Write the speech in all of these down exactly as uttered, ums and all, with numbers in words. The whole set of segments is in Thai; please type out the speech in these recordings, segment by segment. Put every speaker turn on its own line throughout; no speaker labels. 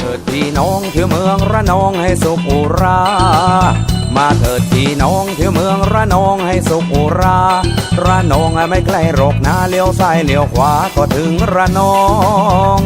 ถิดพี่น้องเที่ยวเมืองระนองให้สุขอุรามาเถิดพี่น้องเที่ยวเมืองระนองให้สุขอุราระนองไม่ไกลหรอกนะเลี้ยวซ้ายเลี้ยวขวาก็ถึงระนอง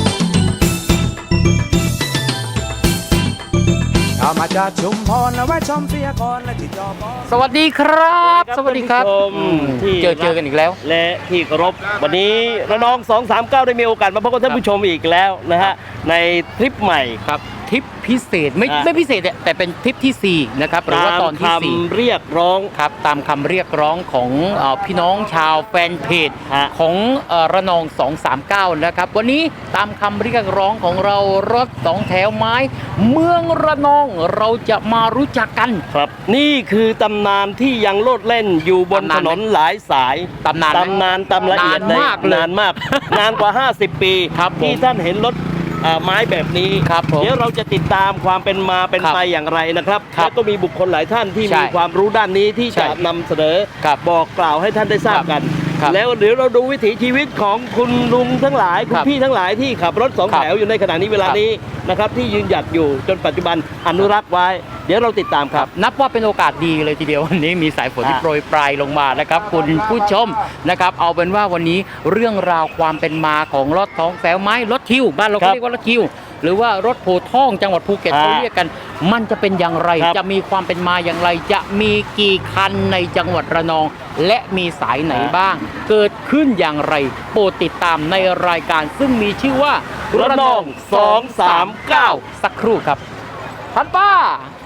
ถ้ามาจากชุมพรแล้วแวะชมเสียก่อนและที่จอปอสวัสดีครับสวัสดีครับที่เจอเจอกันอีกแล้ว
และที่เคารพวันนี้ระนองสองสามเก้าได้มีโอกาสมาพบกับท่านผู้ชมอีกแล้วนะฮะในทริปใหม่
ครับทริปพิเศษไม่ไม่พิเศษแต่เป็นทริปที่สี่นะครับหรือว่าตอนที่สี่
เรียกร้อง
ครับตามคำเรียกร้องของพี่น้องชาวแฟนเพจของระนองสองสามเก้านะครับวันนี้ตามคำเรียกร้องของเรารถสองแถวไม้เมืองระนองเราจะมารู้จักกัน
ครับนี่คือตำนานที่ยังโลดเล่นอยู่บนถนนหลายสาย
ตำนาน
ตำนานตำละเอียด
มาก
นานมากนานกว่าห้าสิบปีที่ท่านเห็นรถไม้แบบนี้เดี๋ยวเราจะติดตามความเป็นมาเป็นไปอย่างไรนะครับแล้วก็มีบุคคลหลายท่านที่มีความรู้ด้านนี้ที่จะนำเสนอบอกกล่าวให้ท่านได้ทราบกันแล้วเดี๋ยวเราดูวิถีชีวิตของคุณลุงทั้งหลายคุณพี่ทั้งหลายที่ขับรถสองแถวอยู่ในขณะนี้เวลานี้นะครับที่ยืนหยัดอยู่จนปัจจุบันอนุรักษ์ไว้เดี๋ยวเราติดตามครับ
นับว่าเป็นโอกาสดีเลยทีเดียววันนี้มีสายฝนที่โปรยปลายลงมานะครับคุณผู้ชมนะครับเอาเป็นว่าวันนี้เรื่องราวความเป็นมาของรถสองแถวไม้รถคิวบ้านเราเรียกว่ารถคิวหรือว่ารถโพท่องจังหวัดภูเก็ตเขาเรียกกันมันจะเป็นอย่างไรจะมีความเป็นมาอย่างไรจะมีกี่คันในจังหวัดระนองและมีสายไหนบ้างเกิดขึ้นอย่างไรโปรดติดตามในรายการซึ่งมีชื่อว่า
ระนองสองสามเก้า
สักครู่ครับพันป้า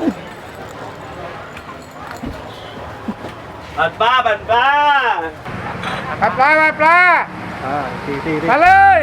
บันป้าบันป้า
พันปลาพันปลามาเลย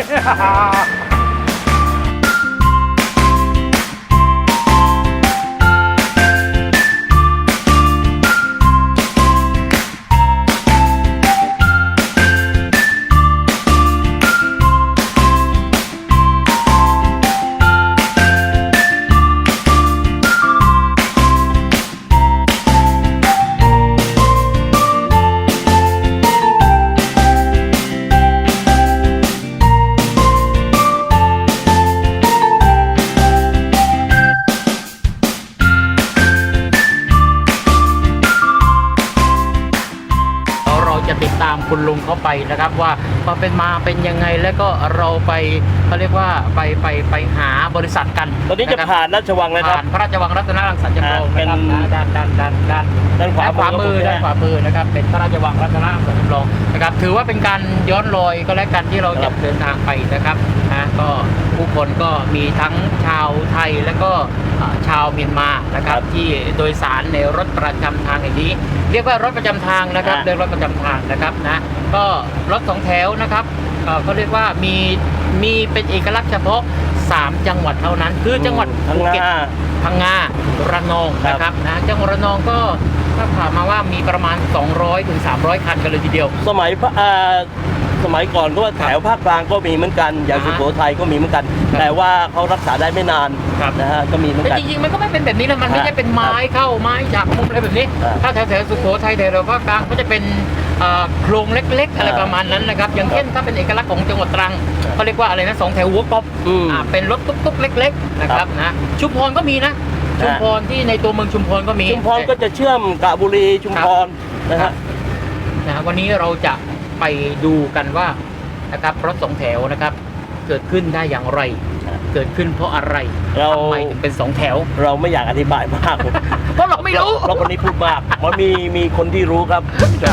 ติดตามคุณลุงเขาไปนะครับว่าความเป็นมาเป็นยังไงแล้วก็เราไปเขาเรียกว่าไปไปไปหาบริษัทกัน
ตอนนี้จะผ่านราชวังเลยครับ
ผ่านพระราชวังรัตนรังสรรค์จำลอง
เป็น
ด้านด้านด้านด้าน
ด้าน
ขวามือด้านขวามือนะครับเป็นพระราชวังรัตนรังสรรค์จำลองนะครับถือว่าเป็นการย้อนรอยก็แล้วกันที่เราจะเดินทางไปนะครับนะก็ผู้คนก็มีทั้งชาวไทยและก็ชาวเมียนมานะครับที่โดยสารในรถประจำทางอย่างนี้เรียกว่ารถประจำทางนะครับเรียกรถประจำทางนะครับนะก็รถสองแถวนะครับเขาเรียกว่ามีมีเป็นเอกลักษณ์เฉพาะสามจังหวัดเท่านั้นคือจังหวัดภูเก็ตพังงาระนองนะครับนะจังหวัดระนองก็ถ้าถามมาว่ามีประมาณสองร้อยถึงสามร้อยคันกันเลยทีเดียว
สมัยสมัยก่อนก็ว่าแถวภาคกลางก็มีเหมือนกันอย่างสุโขทัยก็มีเหมือนกันแต่ว่าเขารักษาได้ไม่นานนะฮะก็มีเหมือนกัน
แต่จริงๆมันก็ไม่เป็นแบบนี้นะมันไม่ใช่เป็นไม้เข้าไม้จากมุมอะไรแบบนี้ถ้าแถวแถวสุโขทัยแถวภาคกลางก็จะเป็นโครงเล็กๆอะไรประมาณนั้นนะครับอย่างเช่นถ้าเป็นเอกลักษณ์ของจังหวัดตรังเขาเรียกว่าอะไรนะสองแถวหัวก๊อบเป็นรถตุ๊กๆเล็กๆนะครับนะชุมพรก็มีนะชุมพรที่ในตัวเมืองชุมพรก็มี
ชุมพรก็จะเชื่อมกะบุรีชุมพรนะฮะ
นะวันนี้เราจะไปดูกันว่านะครับรถสองแถวนะครับเกิดขึ้นได้อย่างไรเกิดขึ้นเพราะอะไร
เรา
ทำไมถึงเป็นสองแถว
เราไม่อยากอธิบายมาก
เพราะเราไม่รู้
เพราะคนนี้พูดมากมันมีมีคนที่รู้ครับ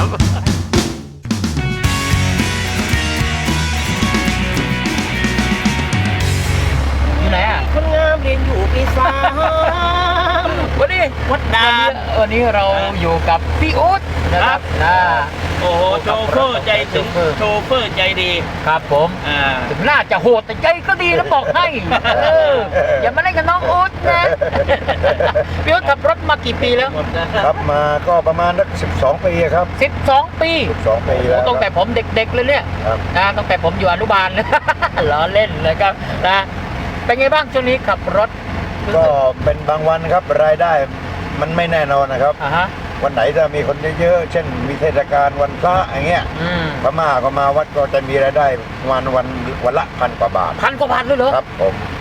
อยู่ไหนอ่ะ
คนงามเรียนอยู่ปีสาม
วันนี้
วัดดาน
วันนี้เราอยู่กับพี่อุ๊ดนะครับนะ
โอ้โหโชเฟอร์ใจถึงโชเฟอร์ใจดี
ครับผมถึงน่าจะโหดแต่ใจก็ดีแล้วบอกให้อย่ามาเล่นกับน้องอุ๊ดนะพี่อุ๊ดขับรถมากี่ปีแล้ว
ครับมาก็ประมาณสักสิบสองปีครับ
สิบสองปี
สิบสองปีแล้ว
ตั้งแต่ผมเด็กๆเลยเนี่ยนะตั้งแต่ผมอยู่อนุบาลล้อเล่นเลยครับนะเป็นไงบ้างช่วงนี้ขับรถ
ก็เป็นบางวันครับรายได้มันไม่แน่นอนนะครับวันไหนจะมีคนเยอะๆเช่นมีเทศกาลวันพระอย่างเงี้ยพม่าก็มาวัดก็จะมีรายได้วันวันวันละพันกว่าบาท
พันกว่าบาทเลยเหรอ
ครับผม
โ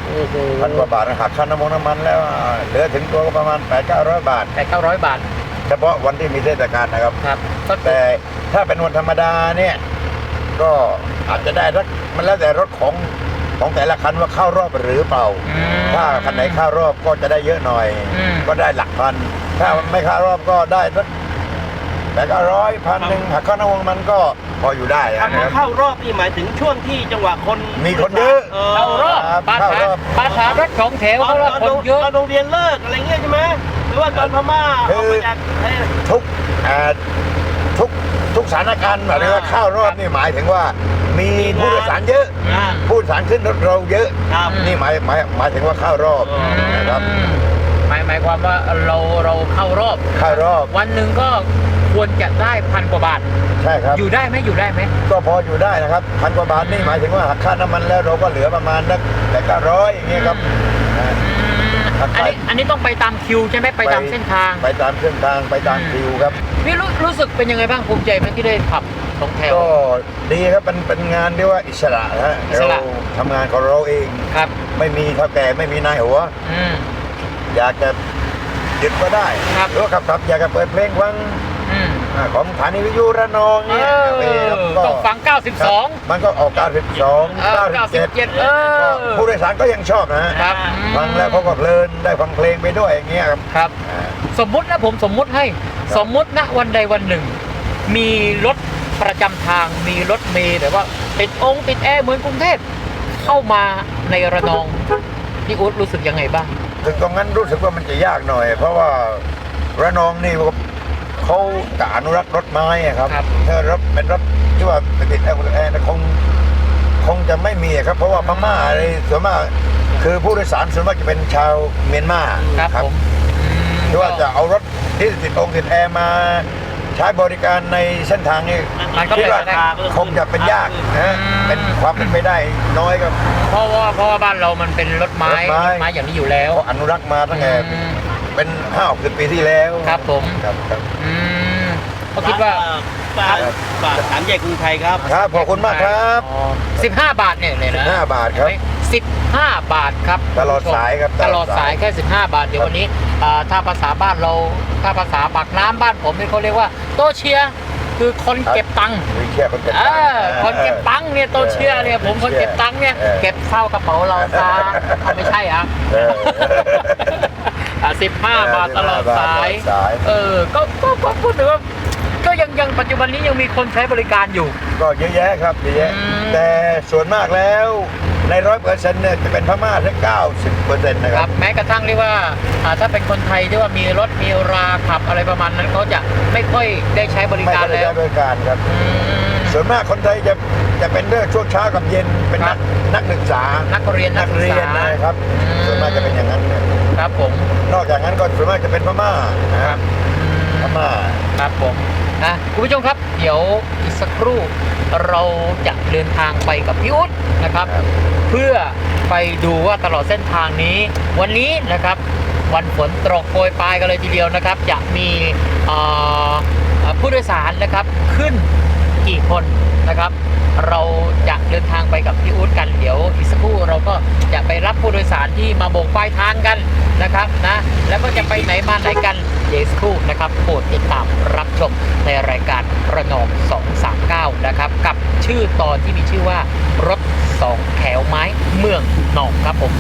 โอ้โห
พันกว่าบาทหักค่าน้ำมันน้ำมันแล้วเหลือถึงตัวก็ประมาณแปดเก้าร้อยบาท
แปดเก้าร้อยบาท
เฉพาะวันที่มีเทศกาลนะครับ
ครับก็
แต่ถ้าเป็นวันธรรมดาเนี่ยก็อาจจะได้สักมันแล้วแต่รถของของแต่ละคันว่าเข้ารอบหรือเปล่า
อืม
ถ้าคันไหนเข้ารอบก็จะได้เยอะหน่อย
อืม
ก็ได้หลักพัน ถ้าไม่เข้ารอบก็ได้สักแต่ก็ร้อยพันหนึ่งหักข้าวน้ำมันมันก็พออยู่ได้นะ
คำ
ค
ว่า
รับ
เข้ารอบนี่หมายถึงช่วงที่จังหวะคน
มีคนเยอะ
เข้ารอบ
ครับ
ปา
เข้า
ถาร
อบ
ปาถารถสองแถว
ตอน
เข้ารอบ
ตอน
คนเยอะ
ตอนโรงเรียนเลิกอะไรเงี้ยใช่ไหมหรือว่าตอนพม่าออกมาจากไอ้
ทุกอ่าทุกทุกสถานการณ์หมายถึงว่าเข้ารอบนี่หมายถึงว่า มีผู้โดยสารเยอะ
อ่า
ผู้โดยสารขึ้นรถเราเยอะ
ครับ
นี่หมายหมายหมายถึงว่าเข้ารอบ
อืม
นะครับ
อืมหมายหมายความว่าเราเราเข้ารอบ
เข้ารอบ
วันหนึ่งก็ควรจะได้พันกว่าบาท
ใช่ครับ
อยู่ได้ไหมอยู่ได้ไหม
ก็พออยู่ได้นะครับพันกว่าบาทนี่หมายถึงว่าหักค่าน้ำมันแล้วเราก็เหลือประมาณนักแต่ก็ร้อยอย่างเงี้ยครับอ่า ครับ
อันนี้อันนี้ต้องไปตามคิวใช่ไหมไปตามเส้นทาง
ไปตามเส้นทางไปตามคิวครับ
พี่รู้รู้สึกเป็นยังไงบ้างภูมิใจไหมที่ได้ขับสองแถว
ก็ดีครับเป็นเป็นงานที่ว่าอิสระนะฮะ
อิส
เรา
ระ
ทำงานของเราเอง
ครับ
ไม่มีเท่าแก่ไม่มีนายหัว
อืม
อยากจะหยุดก็ได้
ครับ
หรือว่าขับขับอยากจะเปิดเพลงฟัง
อืม
อ่าของสถานีวิทยุระนอง
เอ
เนี่ย
อ
เออครับก็
ต้องฟังเก้าสิบสอง
มันก็ออกเก้าสิบสอง
เออ
เก้าสิบเจ็ด
เก้าสิบเจ็ดเออ
ผู้โดยสารก็ยังชอบนะฮะ
ครับ
ฟังแล้วเขาก็เพลินได้ฟังเพลงไปด้วยอย่างเงี้ยครับ
ครับ
อ่า
สมมุตินะผมสมมุติให้ สมมุตินะวันใดวันหนึ่ง มีรถประจำทางมีรถเมล์แต่ว่าติดองค์ติดแอร์เหมือนกรุงเทพเข้ามาในระนองพี่อุ๊ดรู้สึกยังไงบ้าง
ถึงตรงนั้นรู้สึกว่ามันจะยากหน่อย เพราะว่าระนองนี่เขากอนุรักษ์รถไม้อะครับ
ครับ
ถ้ารถเป็นรถที่ว่าติดแอร์แอร์นะคงคงจะไม่มีอะครับ เพราะว่าพม่าอะไรส่วนมากคือผู้โดยสารส่วนมากจะเป็นชาวเมียนมา
ครับผมอืม
ที่ว่าจะเอารถที่ติดองค์ติดแอร์มาใช้บริการในเส้นทางนี้
มันก็
คิด
เป็น
ว่า
ไปได้
คงจะเป็นยากนะ
อืม
เป็นความเป็นไปได้น้อยครับ
เพราะว่าเพราะว่าบ้านเรามันเป็นรถไม้
รถไม้
รถไม้อย่างนี้อยู่แล้ว
เขาอนุรักษ์มาตั้งแต่
อืม
เป็นห้าหกสิบปีที่แล้ว
ครับผม
ครับครับ
อืมก็คิดว่า
ฝากฝากสามแยกกรุงไทยครับ
ครับขอบคุณมากครับ
สิบห้าบาทเนี่ยเลยนะ
สิบห้าบาทครับ
สิบห้าบาทครับ
ตลอดสายครับ
ตลอดสายแค่สิบห้าบาทเดี๋ยววันนี้อ่าถ้าภาษาบ้านเราถ้าภาษาปากน้ำบ้านผมเนี่ยเขาเรียกว่าโตเชียร์คือคนเก็บตังค์
มีแค่คนเก็บ
เอ
ตังค์
อคนเก็บตังค์เนี่ยโตเชียร์เนี่ยผมคนเก็บตังค์เนี่ย
ออ
เก็บเข้ากระเป๋าเราซะเอาไม่ใช่อ่ะ
เออ
สิบห้าบาทตลอดสาย
ตลอดสาย
เออก็ก็ก็พูดถึงว่าก็ยังยังปัจจุบันนี้ยังมีคนใช้บริการอยู่
ก็เยอะแยะครับเยอะแยะ
อืม
แต่ส่วนมากแล้วในร้อยเปอร์เซ็นต์เนี่ยจะเป็นพม่าแค่เก้าสิบเปอร์เซ็นต์นะค
ค
รั
รับ บแม้กระทั่งเรียกว่าอ่าถ้าเป็นคนไทยที่ว่ามีรถมีราขับอะไรประมาณนั้นเขาจะไม่ค่อยได้ใช้บริ
ไม่
การ
ได้
แล้ว
ใช้บริการครับ
อืม
ส่วนมากคนไทยจะจะเป็นเรื่องช่วงเช้ากับเย็นเป็น
ครั
นั
บ
กนักศึกษา
นักเรียนนั
นั
ก
ก
ศึก
เรีย
ษาน
นะครับ
อืม
ส่วนมากจะเป็นอย่างนั้นเนี่ย
ครับผม
นอกจากนั้นก็ส่วนมากจะเป็นพม่านะครับ
อืม
พม่า
ครับผมนะคุณผู้ชมครับ เดี๋ยวอีกสักครู่เราจะเดินทางไปกับพี่อุ๊ดนะครับ
ครับ
เพื่อไปดูว่าตลอดเส้นทางนี้ วันนี้นะครับ วันฝนตกโปรยปลายกันเลยทีเดียวนะครับ จะมีเอ่อเอ่อผู้โดยสารนะครับขึ้นกี่คนนะครับ เราจะเดินทางไปกับพี่อุ๊ดกันเดี๋ยวอีกสักครู่เราก็จะไปรับผู้โดยสารที่มาโบกป้ายทางกันนะครับนะแล้วก็จะไปไหนมาไหนกันเดี๋ยวอีกสักครู่นะครับโปรดติดตามรับชมในรายการระนองสองสามเก้านะครับกับชื่อตอนที่มีชื่อว่ารถสองแถวไม้เมืองหนองครับผม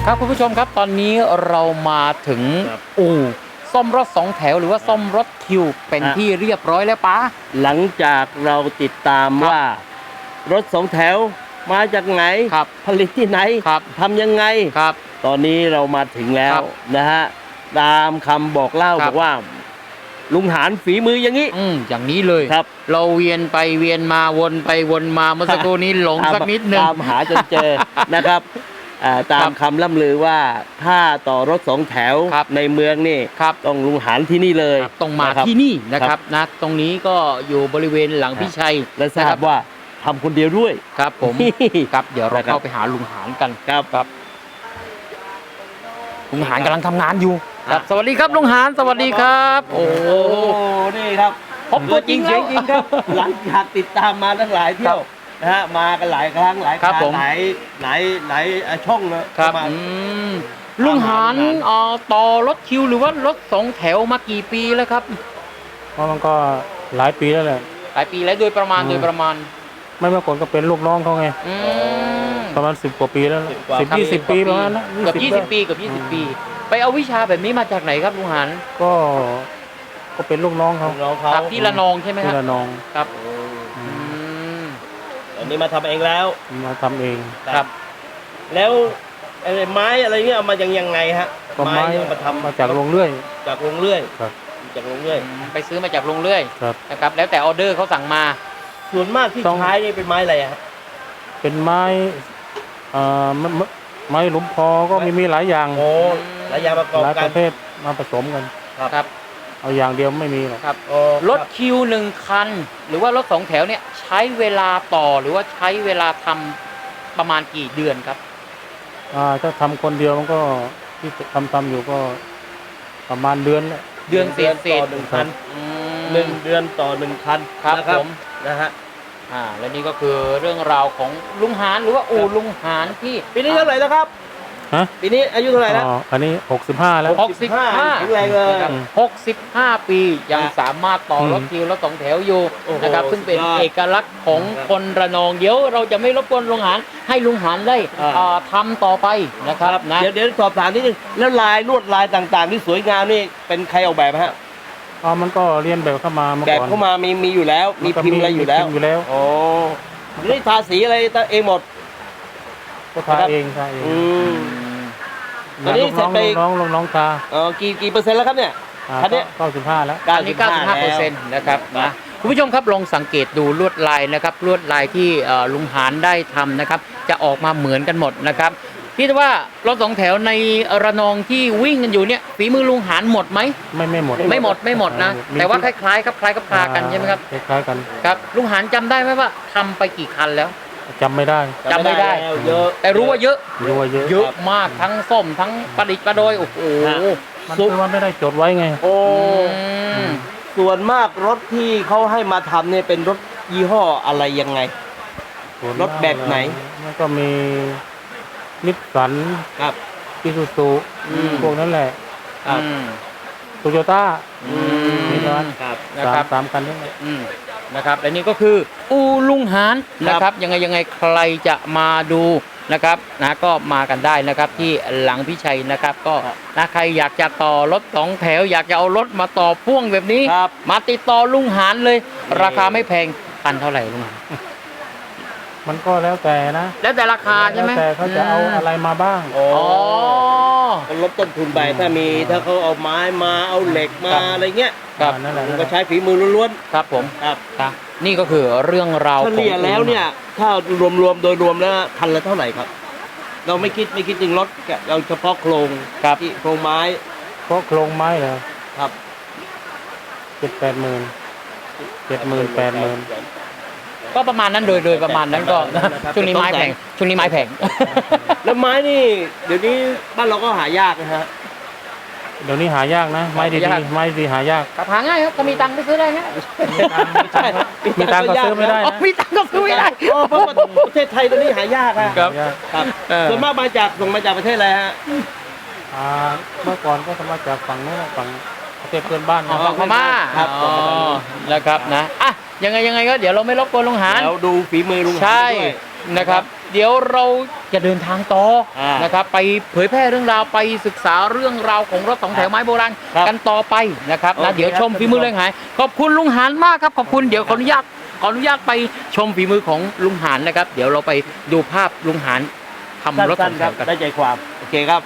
ครับคุณผู้ชมครับตอนนี้เรามาถึง
ครับ
อู่ซ่อมรถสองแถวหรือว่าซ่อมรถคิวเป็น
ฮะ
ที่เรียบร้อยแล้วป้า
หลังจากเราติดตาม
ครับ
ว่ารถสองแถวมาจากไหน
ครับ
ผลิตที่ไหน
ครับ
ทำยังไง
ครับ
ตอนนี้เรามาถึงแล้
คว รับ
นะฮะตามคำบอกเล่า
ครับ
บอกว่า ลุงหานฝีมืออย่างนี้
อืมอย่างนี้เลย
ครับ
เราเวียนไปเวียนมาวนไปวนมาเมื่อสักครู่นี้หลง
ตาม
สักนิดนึง
ตามหาจนเจอ นะครับอ่าตามคำล่ำลือว่าถ้าต่อรถสองแถว
ครับ
ในเมืองนี่
ครับ
ต้องลุงหานที่นี่เลย
ครับต้องมา
ะครับ
ที่นี่นะครับนะตรงนี้ก็อยู่บริเวณหลังพี่ชัย
และทรา
นะค
บว่าทำคนเดียวด้วย
ครับผม ครับเดี๋ยวเรา
นะครับ
เข้าไปหาลุงหานกัน
ครับ
ครับลุงหานกำลังทำงานอยู่
ค
ค
รั
รับ บ สวัสดีครับลุงหานสวัสดีครับ โอ้
โอ้นี่ครับ
พบตัวจริง
เสียง
แล้ว
จริงครับ หลังจากติดตามมาตั้งหลายเที่ยวนะฮะมากันหลายครั้งหลาย
ครับ
ครั้ง
ผม
หลายหลายหลายช่องเลย
ครับ
มา
อืมลุงหานเอ่อต่อรถคิวหรือว่ารถสองแถวมากี่ปีแล้วครับ
เพราะมันก็หลายปีแล้วแหละ
หลายปีแล้วโดยประมาณ
อืม
โดยประมาณ
ไม่เมื่อก่อนก็เป็นลูกน้องเขาไง
อืม
ประมาณสิบกว่าปีแล้ว
สิบกว่า
สิบยี่สิบปีประมาณนั้น
เกือบยี่สิบปีเกือบยี่สิบปี ไปเอาวิชาแบบนี้มาจากไหนครับลุงหาน
ก็ก็เป็นลูกน้องเขา
น้องเขา
ครับที่ละนองใช่ไหมค
ที่
รับ
ระนอง
ครับอืม
อันนี้มาทำเองแล้ว
มาทำเอง
ครับ
แล้วไอ้ไม้อะไรเนี่ยเอามายังยังไงฮะ
ก็ไม้
เนี่ยเอามาทำ
มาจากโรงเรื่อย
จากโรงเรื่อย
ครับ
จากโรงเรื่อย
ไปซื้อมาจากโรงเรื่อย
ครับ
นะครับ แล้วแต่ออเดอร์เขาสั่งมา
ส่วนมากที่
ต้อง
ใช้นี่เป็นไม้อะไรอะครับ
เป็นไม้เอ่อไม้ไม้ไม้หลุมพอก็มีมีหลายอย่าง
โอ้หลายอย่างประกอบ
หลาย
กั
ป
น
ระเภทมาผสมกัน
ครับ
เอาอย่างเดียวไม่มีหรอก
ครับ
โอ้
รถคิวหนึ่งคัน หรือว่ารถสองแถวเนี่ยใช้เวลาต่อหรือว่าใช้เวลาทำประมาณกี่เดือนครับ
อ่าถ้าทำคนเดียวมันก็ที่ทำทำอยู่ก็ประมาณเดือนแหละ
เดือนเศ
เดือ
ษ
น
เศ
ต่อ
ษ
หนึ่งคัน
อืม
หนึ่งเดือนต่อหนึ่งคัน
ครับ
นะ
ผม
นะฮะ
อ่าและนี่ก็คือเรื่องราวของลุงหานหรือว่าอู่ลุงหานที่
ปีนี้เท่าไหร่แล้วครับ
ฮะ
ปีนี้อายุเท่าไหร่แล้ว
อ๋ออันนี้หกสิบห้าแล้ว
หกสิบห้า
แข็งแรงเลย
นะครับหกสิบห้าปียัง
ครับ
สามารถต่อรถ
อืม
คิวรถสองแถวอยู่
โอ้โห
นะครับซึ่งเป็น
สุดยอด
เอกลักษณ์ของ
ครับ
คนระนองเดี๋ยวเราจะไม่รบกวนลุงหานให้ลุงหานได้
อ่า
อ่าทำต่อไปนะครับนะ
เดี๋ยวเดี๋ยวสอบถามนิดนึงแล้วลายลวดลายต่างๆ ที่สวยงามนี่เป็นใครออกแบบฮะ
อ๋อมันก็เรียนแบบเข้ามาเมื่อ
แบบ
ก่อน
เข้ามามีมีอยู่แล้ว มี
นก็
พิมพ์อะไรอยู่แล้ว
มีพิมพ์อยู่แล้ว
โอ้นี่ทาสีอะไรเองหมด
ก็ทาเองทาเอง
อืม ตอนนี้
ลูกน้อง
เสร็จไป
ลูกน้องลูกน้องทา
เออกี่กี่เปอร์เซ็นต์แล้วครับเนี่ย
อ่า
คันเนี้ย
เก้าสิบห้าแล้ว
อันนี้เก้าสิบห้าเปอร์เซ็นต์นะครับนะคุณผู้ชมครับลองสังเกตดูลวดลายนะครับลวดลายที่เอ่อลุงหานได้ทำนะครับ จะออกมาเหมือนกันหมดนะครับพี่ว่ารถสองแถวในระนองที่วิ่งกันอยู่เนี่ยฝีมือลุงหานหมดไหม
ไม่ไม่หมด
ไม่หมดไม่หมดนะ
มี
แต่ว่าคล้ายๆครับคล้ายกับคลากันใช่ไหมครับ
คล้ายๆกัน
ครับลุงหานจำได้ไหมว่าทำไปกี่คันแล้ว
จำไม่ได้
จำไม่ได้
แล้วเยอะ
แต่รู้ว่าเยอะ
รู้ว่าเยอะ
เยอะมากทั้งส้มทั้งประดิษฐ์ประโดยโอ้โห
มันคือว่าไม่ได้จดไว้ไง
โอ้
อืม
ส่วนมากรถที่เขาให้มาทำเนี่ยเป็นรถยี่ห้ออะไรยังไง
ส่วน
รถแบบไหน
มันก็มีนิสสัน
ครับ
อิซูซู
อืม
พวกนั้นแหละ
ครับ
อืม
โตโยต้า
อืม
มีร้าน
ครับ
นะ
สา
ครั
ม
บ
สามคันนี่แหละ
อืมนะครับและนี่ก็คืออูลุงหานนะครับยังไงยังไงใครจะมาดูนะครับนะก็มากันได้นะครับที่หลังพิชัยนะครับ ก็นะใครอยากจะต่อรถสองแถว อยากจะเอารถมาต่อพ่วงแบบนี้
ครับ
มาติดต่อลุงหานเลย
นี่
ราคาไม่แพงคันเท่าไหร่ลุงหาน
มันก็แล้วแต่นะ
แล้วแต่ราคาใช่ไหม
แล้วแต่เขาจะเอาอะไรมาบ้าง
โอ้
อ๋อ
ก็ลดต้นทุนไปถ้ามีถ้าเขาเอาไม้มาเอาเหล็กมา
ครับ
อะไรเงี้ย
ครับ
นั่นแหละ
มันก็ใช้ฝีมือล้วน
ครับผม
ๆครับ
ครับนี่ก็คือเรื่องราว
เฉ
ของ
ลี่ยแล้วเนี่ย ถ้ารวมๆโดยรวมแล้วพันละเท่าไหร่ครับ เราไม่คิดไม่คิดถึงรถแกะเราเฉพาะโครง
ครับ
ที่โครงไม้
เพราะโครงไม้เหรอ
ครับ
เจ็ดแปดหมื่นเจ็ดหมื่นแปดหมื่น
ก็ประมาณนั้นโดยโดยประมาณนั้นก็ช่วงนี้ไม้แพงช่วงนี้ไม้แพง
แล้วไม้นี่ เดี๋ยวนี้บ้านเราก็หายากนะฮะ
เดี๋ยวนี้หายากนะ ไม้ดี
หายาก
ๆไม้ดีหายาก
กับหาง่ายครับถ้ามีตังค์ไปซื้อได้ง่าย
ใช่
มีตังค์ก็ซื้อไม่ได้
อ๋อมีตังค์ก็ซื้อไม่ได้
อ๋อเพราะว่าประเทศไทยตอนนี้หายากอะ
ครับ
หายาก
ครับ
เออ
ส่วนมากมาจากส่งมาจากประเทศอะไรฮะ
อ่าเมื่อก่อนก็ทำมาจากฝั่งโน้นฝั่งประเทศเพื่อนบ้าน
อ๋อ
นะ
พม่า
ครับ
อ๋อนะครับนะอ่ะยังไงยังไงก็เดี๋ยวเราไม่รบกวนลุงหาน
แล้วดูฝีมือลุงหาน
ใช่
ด้วย
นะครับ เดี๋ยวเราจะเดินทางต่ออา นะครับ ไปเผยแพร่เรื่องราวไปศึกษาเรื่องราวของรถสองแถวไม้โบราณ
ครับ
กันต่อไปนะครับ
โอ
นะ
เค
เดี๋ยวชม
ครับ
ฝีมือเรื่องหายขอบคุณลุงหานมากครับขอบคุณเดี๋ยวขออนุญาตขออนุญาตไปชมฝีมือของลุงหานนะครับ เดี๋ยวเราไปดูภาพลุงหานทำรถส
สั้
อน ง
ๆ
แถ
ครับ
วกัน
ได้ใจความโอเคครับ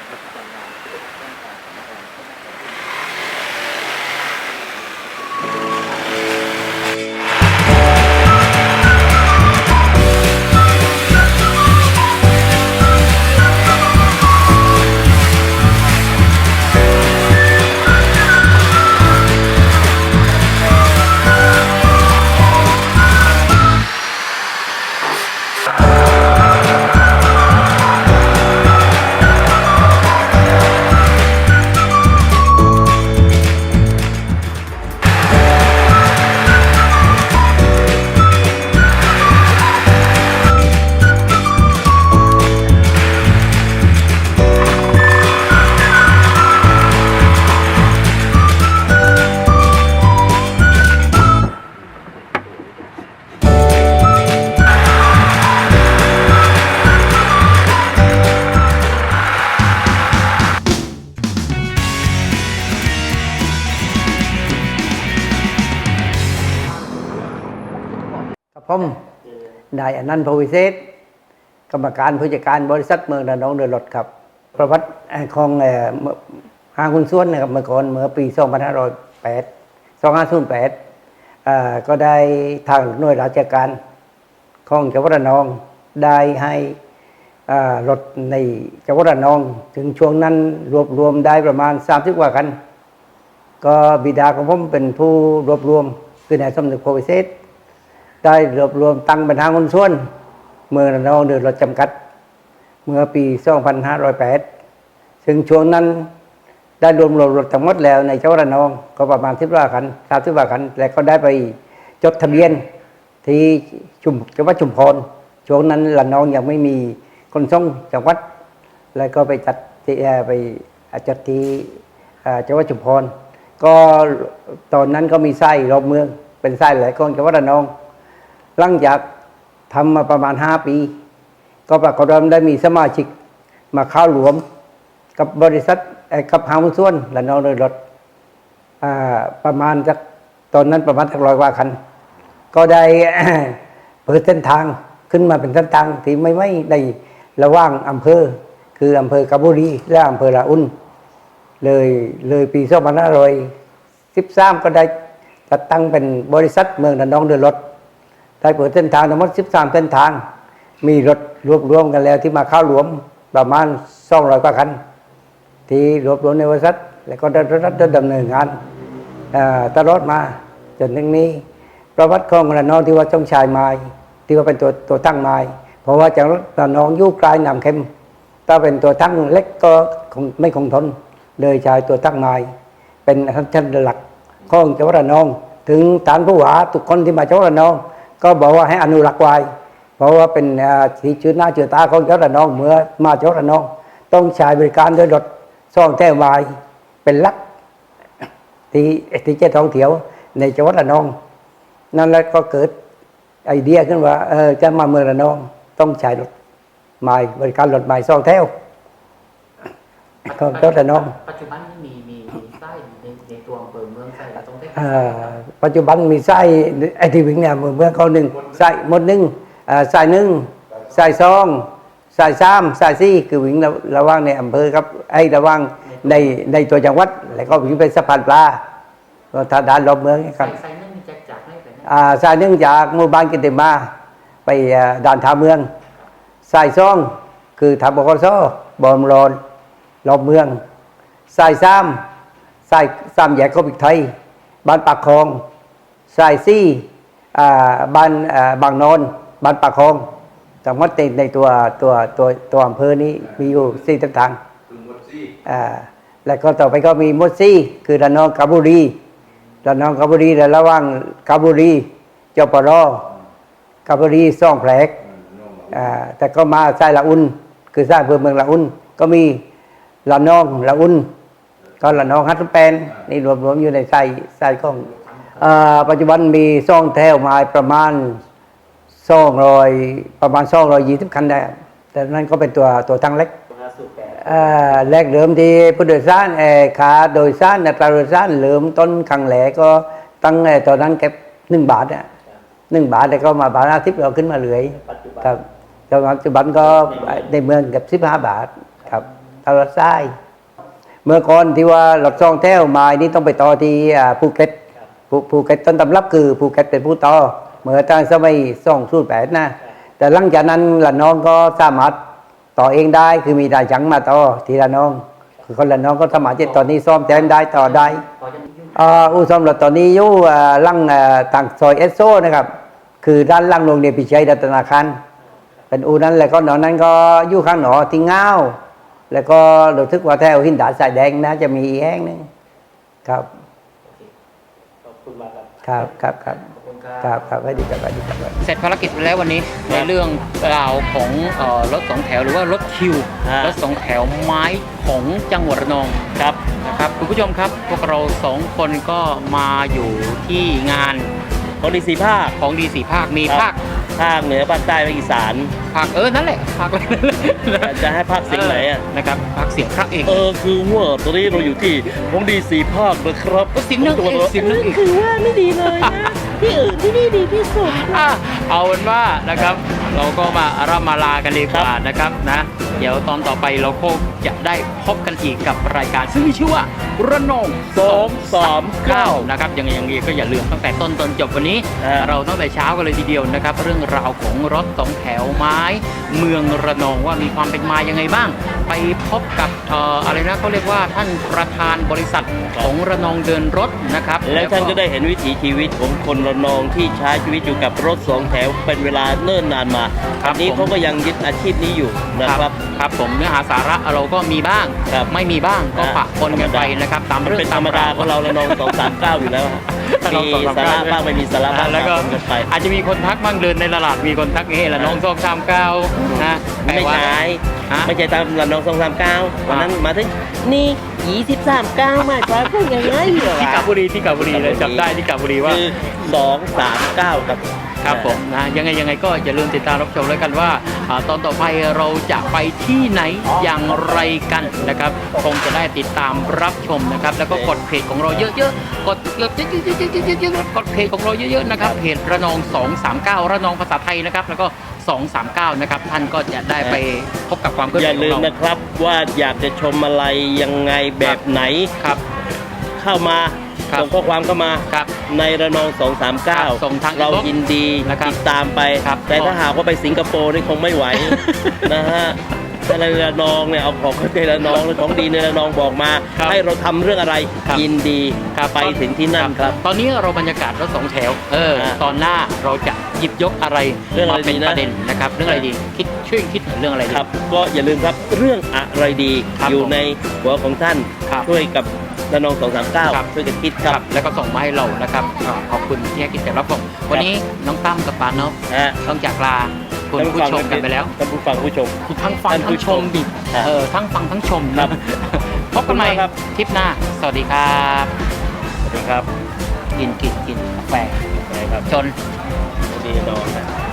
กับผมนายอนันต์พวิเศษกรรมการผู้จัดการบริษัทเมืองระนองเดินรถครับ ประวัติของเอ่อเมื่อห้างหุ้นส่วนนะครับเมื่อก่อนเมื่อปี สองพันห้าร้อยแปด สองพันห้าร้อยแปดอ่าก็ได้ทางหน่วยราชการของจังหวัดระนองได้ให้อ่ารถในจังหวัดระนอง ถึงช่วงนั้นรวบรวมได้ประมาณสามสิบกว่าคัน ก็บิดาของผมเป็นผู้รวบรวมคือนายสมนึกโพวิเศษได้รวบรวมตั้งเป็นทางหุ้นส่วนเมืองระนองเดินรถจำกัดเมื่อปี สองพันห้าร้อยแปด ซึ่งช่วงนั้นได้รวมรวมรถทั้งหมดแล้วในจังหวัดระนองก็ประมาณสิบกว่าคันสามสิบกว่าคันและก็ได้ไปจดทะเบียนที่ชุมจังหวัดชุมพรช่วงนั้นระนองยังไม่มีคนส่งจังหวัดแล้วก็ไปจัดที่เอ่อไปจัดที่เอ่อจังหวัดชุมพรก็ตอนนั้นก็มีไส้รอบเมืองเป็นไส้หลายกองจังหวัดระนองหลังจากทำมาประมาณห้าปี ก็ปรากฏว่าได้มีสมาชิกมาเข้าหลวมกับบริษัทเอ่อกับห้างหุ้นส่วนระนองเดินรถอ่าประมาณสักตอนนั้นประมาณสักร้อยกว่าคัน ก็ได้ เปิดเส้นทางขึ้นมาเป็นเส้นทางที่ไม่ไม่ในระหว่างอำเภอ คืออำเภอกาญบุรีและอำเภอละอุ่นเลยเลยปี สองพันห้าร้อยสิบสาม ก็ได้จัดตั้งเป็นบริษัทเมืองระนองเดินรถได้เปิดเส้นทางทั้งหมดสิบสามเส้นทาง มีรถรวบรวมกันแล้วที่มาเข้ารวมประมาณสองร้อยกว่าคัน ที่รวบรวมในบริษัทแล้วก็ได้รัฐดำเนินงานอ่าตลอดมาจนถึงนี้ประวัติของระนองที่ว่าต้องชายไม้ที่ว่าเป็นตัวตัวตั้งไม้เพราะว่าจากระนองอยู่ไกลน้ำเค็มถ้าเป็นตัวตั้งเล็กก็คงไม่คงทนเลยใช้ตัวตั้งไม้เป็นชั้นหลักของจังหวัดระนองถึงฐานผู้ว่าทุกคนที่มาจังหวัดระนองก็บอกว่าให้อนุรักษ์ไว้เพราะว่าเป็นสีชื่อหน้าชื่อตาของจังหวัดระนองเมื่อมาจังหวัดระนองต้องใช้บริการด้วยรถซ่องแท้วายเป็นหลักที่ที่เจ้าท่องเที่ยวในจังหวัดระนองนั่นแหละก็เกิดไอเดียขึ้นว่าเออจะมาเมืองระนองต้องใช้รถใหม่บริการรถใหม่ซ่องแท้วของจังหวัดระนอง
ปัจจุบันนี้มีมีมีไส้ในในตัวอำเภอเมืองไส้ตรงเทพ
อ่าปัจจุบันมีไส้ไอที่วิ่งเนี่ยเมืองเขาหนึ่งไส้หมดหนึ่งอ่าไส้หนึ่งไส้สองไส้สามไส้สี่คือวิ่งระระหว่างในอำเภอครับไอ้ระหว่างในในตัวจังหวัดแล้วก็วิ่งไปสะพานปลาก็ทางด้านรอบเมืองครับ
ไส้นึ่งจากจากให้ไปนะ
อ่าไส้หนึ่งจากหมู่บ้านกินเตมาไปอ่าด่านท่าเมืองไส้สองคือทางบกสบอมรอนรอบเมืองไส้สามไส้สามแยกโคบิกไทยบ้านปากคลองไส้สี่อ่าบ้านอ่าบางนนท์บ้านปากคลองทั้งหมดในในตัวตัวตัวตัวอำเภอนี้มีอยู่สี่เส้นทางอ่าแล้วก็ต่อไปก็มีมดซี่คือระนองกาญบุรีระนองกาญบุรีและระหว่างกาญบุรีจปรกาญบุรีซ่องแผลกอ่าแต่ก็มาไส้ละอุ่นคือไส้อำเภอเมืองละอุ่นก็มีระนองละอุ่นก็ละนองฮัตตุแปนนี่รวมรวมอยู่ในไส้ไส้ของเอ่อปัจจุบันมีซ่องแถวมาประมาณสองร้อยประมาณสองร้อยยี่สิบคันได้แต่นั้นก็เป็นตัวตัวทั้งเล็กเอ่อแรกเริ่มที่ผู้โดยสารเอ่อขาโดยสารอัตราโดยสารเริ่มต้นครั้งแรกก็ตั้งเอ่อตอนนั้นเก็บหนึ่งบาทอ่ะหนึ่งบาทแต่ก็มาบาทอาทิตย์เราขึ้นมาเรื่อยครับปัจจุบันก็ในเมืองเกับสิบห้าบาทครับตลาดทรายเมื่อก่อนที่ว่าหลอดซองแถวมานี่ต้องไปต่อที่อ่าภูเก็ตภูภูเก็ตต้นตำรับคือภูเก็ตเป็นผู้ต่อเมื่อตอนสมัยสองสูตรแปดนะแต่หลังจากนั้นละน้องก็สามารถต่อเองได้คือมีได้จังมาต่อทีละน้องคือคนละน้องก็สามารถที่ตอนนี้ซ่อมแทนได้ต่อได้อ่าอู่ซ่อมรถตอนนี้อยู่อ่าลังอ่าต่างซอยเอสโซนะครับคือด้านล่างโรงเรียนพิชัยรัตนาคารเป็นอู่นั้นแล้วก็หนอนั้นก็อยู่ข้างหนอที่เงาแล้วก็รู้สึกว่าแถวหินดาดสายแดงนะจะมีอีกแห่งหนึงครับ
ขอบคุณมากครับ
ครับครับครับครับครับสวัสดีครับสวัสดีครับ
เสร็จภารกิจไปแล้ววันนี้ในเรื่องราวของเอ่อรถสองแถวหรือว่ารถคิว
ฮะ
รถสองแถวไม้ของจังหวัดระนอง
ครับ
นะครับคุณผู้ชมครับพวกเราสองคนก็มาอยู่ที่งาน
ของดีสีภาค
ของดีสี่ภาคมี
ครับ
ภาค
ภาคเหนือภาคใต้ภาคอีสาน
ภาคเออนั่นแหละภาคอะไรนั่นแหละ
จะให้ภาคเสียงไหนอ่ะ
นะครับภาคเสียงพระเอก
เออคือว่าตอนนี้เราอยู่ที่ของดีสีภาคนะครับ
ก็เสียงนางเอกเสียงนางเอก
คือว่าไม่ดีเลยนะที่อื่นที่นี่ดีที่สุด
อ่ะเอาเป็นว่านะครับเราก็มาร่ำมาลากันดีกว่านะครับนะเดี๋ยวตอนต่อไปเราคงจะได้พบกันอีกกับรายการ ซึ่งมีชื่อว่าระนองสองสามเก้านะครับยังไงยังไงก็อย่าลืมตั้งแต่ต้นจนจบวันนี้
อ่า
เราตั้งแต่เช้ากันเลยทีเดียวนะครับ เรื่องราวของรถสองแถวไม้ เมืองระนองว่ามีความเป็นมายังไงบ้าง ไปพบกับเอ่ออะไรนะเขาเรียกว่าท่านประธานบริษัทของระนองเดินรถนะครับ
แล้วท่านก็ได้เห็นวิถีชีวิตของคนระนองที่ใช้ชีวิตอยู่กับรถสองแถวเป็นเวลาเนิ่นนานมา
ครับ
อันนี้
ผม
เขาก็ยังยึดอาชีพนี้อยู่นะครับ
ครับผมเนื้อหาสาระเราก็มีบ้าง
ครับ
ไม่มีบ้างก็
อ่า
ปะปนกันไปนะครับตาม
มัน
เรื่อง
เป็นธรรมดาของเราระนองสองสามเก้าอยู่แล้วฮะ
ระน
มี
องสองสาม
สา
เก้า
ระบ้างไม่มีสาระบ้าง
แล้วก็
ปะปนกันไป
อาจจะมีคนทักบ้างเดินในตลาดมีคนทักเฮ้ละน้องสองสามเก้านะ
ไม่
แปลว่า
ใช่
ฮะ
ไม่ใช่ตามระนองสองสามเก้าวันนั้นมาถึงนี่ยี่สิบสามเก้ามาใช้พูดยังไงเหรอ
ที่กาญบุรีที่กาญบุรีเลยจำได้ที่กาญบุรีว่า
คือสองสามเก้าครับ
ครับผมนะยังไงยังไงก็อย่าลืมติดตามรับชมแล้วกันว่าอ่าตอนต่อไปเราจะไปที่ไหนอย่างไรกันนะครับคงจะได้ติดตามรับชมนะครับแล้วก็กดเพจของเราเยอะๆกดเยอะๆๆๆๆๆกดเพจของเราเยอะๆนะครับเพจระนองสองสามเก้าระนองภาษาไทยนะครับแล้วก็สองสามเก้านะครับท่านก็จะได้ไปพบกับความเคลื่อน
อ
ไหว
ย่า
ขอ
ลื
ง
ม
เรา
นะครับว่าอยากจะชมอะไรยังไงแบบไหน
ครับ
เข้ามา
ครับ
ส่งข้อความเข้ามา
ครับ
ในระนองสองสามเก้า
ส่งทาง
เรา
inbox
ยินดี
นะครับ
ติดตามไป
ครับ
แต่ถ้าหากว่าไปสิงคโปร์นี่คงไม่ไหว นะฮะถ้าในระนองเนี่ยเอาของในระนองหรือของดีในระนองบอกมา
ครับ
ให้เราทำเรื่องอะไร
ครับ
ยินดี
ครับ
ไปถึงที่นั่นครับ
ตอนนี้เราบรรยากาศรถสองแถว เออ
อ่า
ตอนหน้าเราจะหยิบยกอะไร
เรื่องอะไร
มาเป็น
ดีนะ
ประเด็นนะครับ เรื่องอะไรดี คิดช่วยคิดเรื่องอะไรดี
ครับ ก็อย่าลืมครับเรื่องอะไรดี
ครับ
อยู่
ผม
ในหัวของท่าน
ครับ
ช่วยกับระนองสองสามเก้า
ครับ
ช่วยกันคิดค
ค
รั
รับ บ แล้วก็ส่งมาให้เรานะครับอ่าขอบคุณที่ให้กิจกรรมรับชมวันนี้น้องตั้มกับปานนพ
นะฮะ
ต้องจากลาคุณผู้ชมกันไปแล้ว
ท่านผู้ฟังผู้ชม
ทั้งฟัง
ท่านผู้
ทั้งชมดิ
ครับ
เออทั้งฟังทั้งชม
ครั
นะ
บ
พบกันใหม่
ขอบคุณมากครับ
ทริปหน้า สวัสดีครับ
สวัสดีครับ
กินกินกินกาแฟ
นะครับ
ชน
ดีนอนนะ